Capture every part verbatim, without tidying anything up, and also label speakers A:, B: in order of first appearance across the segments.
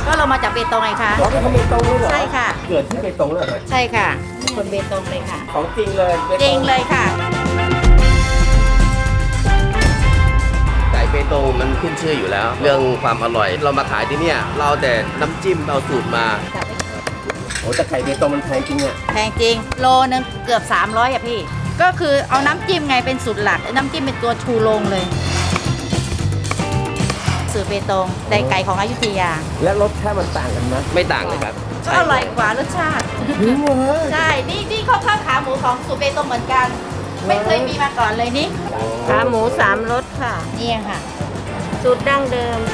A: ก็เรามาจากเบตงไงคะ
B: เราเป็นคนเบตงเลยเหรอ
A: ใช่ค่ะ
B: เกิดที่เบตงเลยเหรอ
A: ใช่ค่ะคนเบตงเลยค่ะ
B: ของจริงเลย
A: จริงเลยค่ะ
C: ไก่เบตงมันขึ้นชื่ออยู่แล้ว เรื่องความอร่อยเรามาขายที่เนี่ยเราแต่น้ำจิ้มเอาสูตรมา
B: โอ้แต่ไก่เบตงมันแพงจริงอ่ะ
A: แพงจริงโลนึงเกือบสามร้อยอ่ะพี่ก็คือเอาน้ำจิ้มไงเป็นสูตรหลักน้ำจิ้มเป็นตัวชูโรงเลยสูตรเบตงแต่ไก่ของอยุธยา
B: และรสชาติมันต่างกันไหม
C: ไม่ต่างเลยครับ
A: ก็อร่อยกว่ารสชาติใช่นี่นี่ข้าวข้าวขาหมูของสูตรเบตงเหมือนกันไม่เคยมีมาก่อนเลยนี่
D: ขาหมูสามรสค่ะ
A: นี่ค่ะ
D: สูตรดั้งเดิม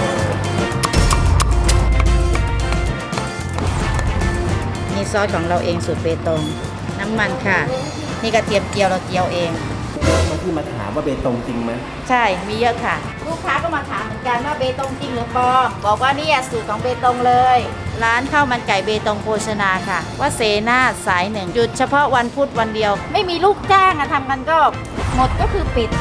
A: นี่ซอสของเราเองสูตรเบตงน้ำมันค่ะนี่กระเทียมเจียวเราเจียวเอง
B: บางที่มาถามว่าเบตงจริงไหม
A: ใช่มีเยอะค่ะลูกค้าก็มาถามเหมือนกันว่าเบตงจริงหรือปลอมบอกว่านี่สูตรของเบตงเลยร้านข้าวมันไก่เบตงโภชนาค่ะว่าเสนาสายหนึ่งหยุดเฉพาะวันพุธวันเดียวไม่มีลูกจ้างอะทำกันก็หมดก็คือปิด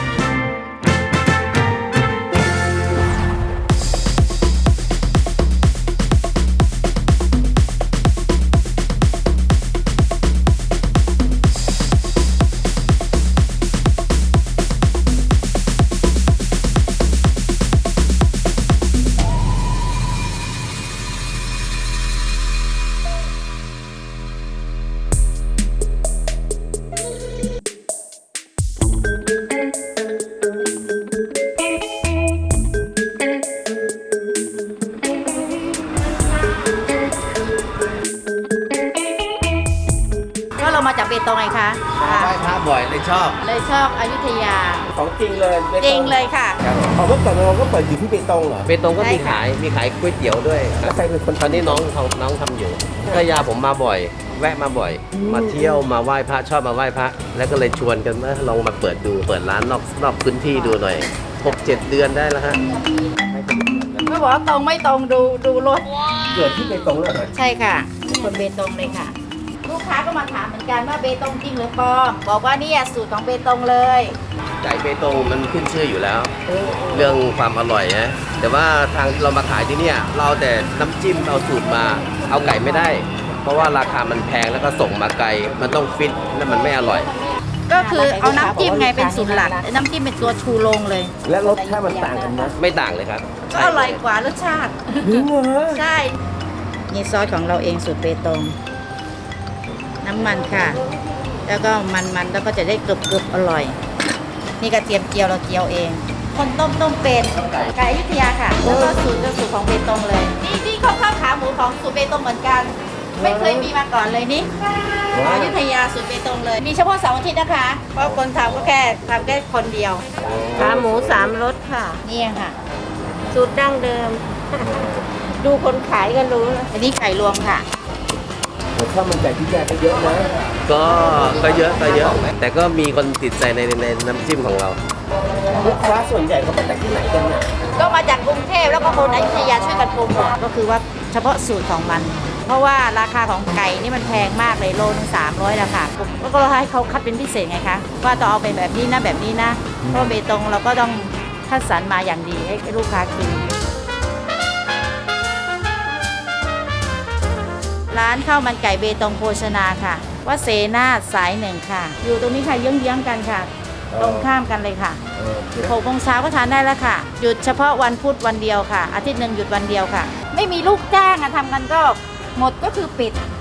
A: เรามาจากเบตงไงคะ
C: ไหว้พระบ่อยเลยชอบ
A: เลยชอบอยุธยา
B: ของจริงเลย
A: จริงเลยค่ะ
B: เขาเมื่อก่อนเราก็เปิดอยู่ที่เบตงเหรอ
C: เบตงก็มีขายมีขายก๋วยเตี๋ยวด้วย
B: แล้วใครเป็นคน
C: ตอนนี้น้องน้องทำอยู่ก็ยาผมมาบ่อยแวะมาบ่อยมาเที่ยวมาไหว้พระชอบมาไหว้พระแล้วก็เลยชวนกันว่าลองมาเปิดดูเปิดร้านนอกนอกพื้นที่ดูหน่อยหกเจ็ดเดือนได้แล้วฮะ
A: ไม่บอกว่าตรงไม่ตรงดูดูรถ
B: เกิดที่เบตงเลยเหรอ
A: ใช่ค่ะคนเบตงเลยค่ะลูกค้าก็มาถามเหมือนกันว่าเบตงจริงหรือปลอมบอกว่านี่สูตรของเบตงเลย
C: ไก่เบตงมันขึ้นชื่ออยู่แล้ว เรื่องความอร่อยนะแต่ว่าทางเรามาขายที่เนี่ยเราแต่น้ำจิ้มเอาสูตรมาเอาไก่ไม่ได้เพราะว่าราคามันแพงแล้วก็ส่งมาไกลมันต้องฟิตแล้วมันไม่อร่อย
A: ก็คือเอาน้ำจิ้มไงเป็นสูตรหลักน้ำจิ้มเป็นตัวชูโรงเลย
B: และรสชาติมันต่างกันไหม
C: ไม่ต่างเลยครับ
A: ก็อร่อยกว่ารสชาติใช่นี่ซอสของเราเองสูตรเบตงน้ำมันค่ะแล้วก็มันๆแล้วก็จะได้กรึบๆอร่อยนี่กระเทียมเจียวเราเจียวเองคนต้มต้มเป็นไก่อยุธยาค่ะแล้วก็สูตรจะสูตรของเบตงเลยนี่นี่ข้าวข้าวขาหมูของสูตรเบตงเหมือนกันไม่เคยมีมาก่อนเลยนี่อยุธยาสูตรเบตงเลยมีเฉพาะเสาร์อาทิตย์นะคะเพราะคนทำก็แค่ทำแค่คนเดียว
D: ขาหมูสามรสค่ะ
A: นี่ค่ะ
D: สูตรดั้งเดิมดูคนขายก็รู้
A: อันนี้ไก่รวมค่ะ
B: ข้าวมันไก่ที่แยกก็เยอะนะ
C: ก็ก็เยอะก็เยอะแต่ก็มีคนติดใจในในน้ำจิ้มของเรา
B: ลูกค้าส่วนใหญ่เขามาจากที่ไหนกันเนี่ย
A: ก็มาจากกรุงเทพแล้วก็คนอยุธยาช่วยกันโปรโมทก็คือว่าเฉพาะสูตรของมันเพราะว่าราคาของไก่นี่มันแพงมากเลยโลนึงสามร้อยราคาแล้วก็ให้เขาคัดเป็นพิเศษไงคะว่าต้องเอาเป็นแบบนี้นะแบบนี้นะเพราะเบตงเราก็ต้องคัดสรรมาอย่างดีให้ลูกค้ากินร้านข้าวมันไก่เบตงโภชนาค่ะว่าเสนาสายหนึ่งค่ะอยู่ตรงนี้ค่ะเยื้องๆกันค่ะตรงข้ามกันเลยค่ะหกโมงเช้าก็ทานได้แล้วค่ะหยุดเฉพาะวันพุธวันเดียวค่ะอาทิตย์หนึ่งหยุดวันเดียวค่ะไม่มีลูกจ้างอะทำกันก็หมดก็คือปิด